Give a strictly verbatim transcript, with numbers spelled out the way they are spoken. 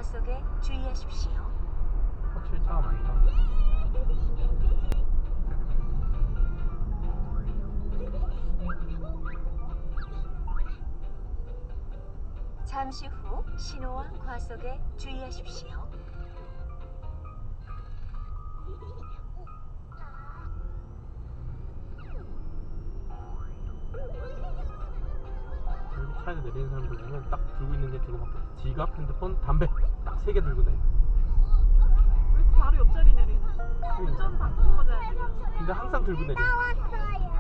과속에 주의하십시오. 확실히 차가 많다. 잠시 후 신호와 과속에 주의하십시오. 여기 차에서 내리는 사람들 보면 딱 들고 있는 게 저거밖에 없어. 지갑, 핸드폰, 담배 딱 세 개 들고 다녀. 왜 바로 옆자리 내리는? 운전 바꾸고 자야지. 근데 항상 들고 내려.